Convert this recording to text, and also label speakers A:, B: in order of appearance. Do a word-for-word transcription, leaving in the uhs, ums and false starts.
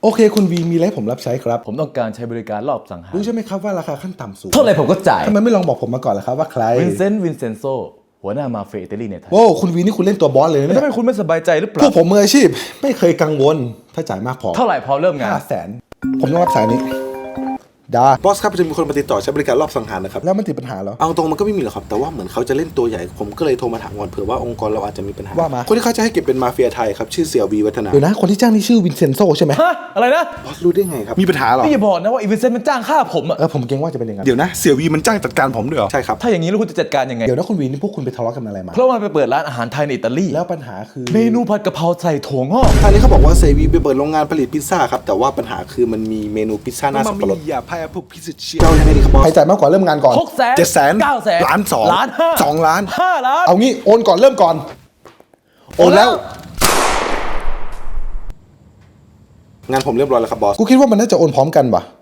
A: โอเคคุณวีมีอะไรให้ผมรับใช้ครับ
B: ผมต้องการใช้บริการรอบสังหาร
A: รู้ใช่ไหมครับว่าราคาขั้นต่ำสูง
B: เท่าไหร่ผมก็จ่าย
A: ทำไมไม่ลองบอกผมมาก่อนล่ะครับว่าใคร
B: วินเซนต์วินเซนโซหัวหน้ามาเฟียอิตาลีในไทย
A: โว้คุณวีนี่คุณเล่นตัวบอสเลยนะ
B: แล้ว
A: เนี่ย
B: ทำไมคุณไม่สบายใจหรือเป
A: พว
B: ล่าก
A: ผมมืออาชีพไม่เคยกังวลถ้าจ่ายมากพอ
B: เท่าไหร่พอเริ่มงาน
A: ห้าแสนผมต้องรับสายนี้ดาบอสครับจะมีคนมาติดต่อใช้บริการรอบสังหารนะครับแล้วมันติดปัญหาเหรอเอาตรงมันก็ไม่มีหรอกครับแต่ว่าเหมือนเขาจะเล่นตัวใหญ่ผมก็เลยโทรมาถามก่อนเผื่อว่าองค์กรเราอาจจะมีปัญหาว่ามาคนที่เขาจะให้เก็บเป็นมาเฟียไทยครับชื่อเสี่ยววีวัฒนาเดี๋ยวนะคนที่จ้างนี่ชื่อวินเซนโซใช่ไหม
B: ฮะ อะไรนะ
A: บอสรู้ได้ไงครับมีปัญหาเหรอ
B: พี่อย่าบอกนะว่าอีวินเซนต์มันจ้างฆ่าผมอะ
A: เออผมเกรงว่าจะเป็นอย่างนั้น
C: เดี๋ยวนะเสี่ยววีมันจ้างจัดการผมด้วยเหรอ
A: ใช่ครับ
B: ถ้าอย่างนี้แล้วคุณจะจัดการยังไง
A: เดี๋ยวนะคุณวีนี่พวกคุณไปทะเลาะกันอะไรมา
B: เพราะว่ามันไปเปิดร้านอาหารไทยในอิตาลี
A: แล้วปัญหาคือ
B: เมนูผัดกะเพราใส่ถั่วงอก
A: ทางนี้เขาบอกว่าเซวีไปเปิดโรงงานผลิตพิซซ่าครับแต่ว่าปัญหาคือมันมีเมนูพิซซ่าหน้าสับปะรด
C: อย่าพายพวกพิสิทธิ์เชีย
A: เจ้ายังไงดีครับบอสใครจ่ายมากกว่าเริ่มงานก่อน
B: หกแสน
A: เจ็ดแสน
B: เก้าแสน
A: ล้านสอง
B: ล้านห้า
A: สองล้าน
B: ห้าล้าน
A: เอางี้โอนก่อนเริ่มก่อนโอนแล้ว งานผมเรียบร้อยแล้วครับบอสกูคิดว่ามันน่าจะโอนพร้อมกันป่ะ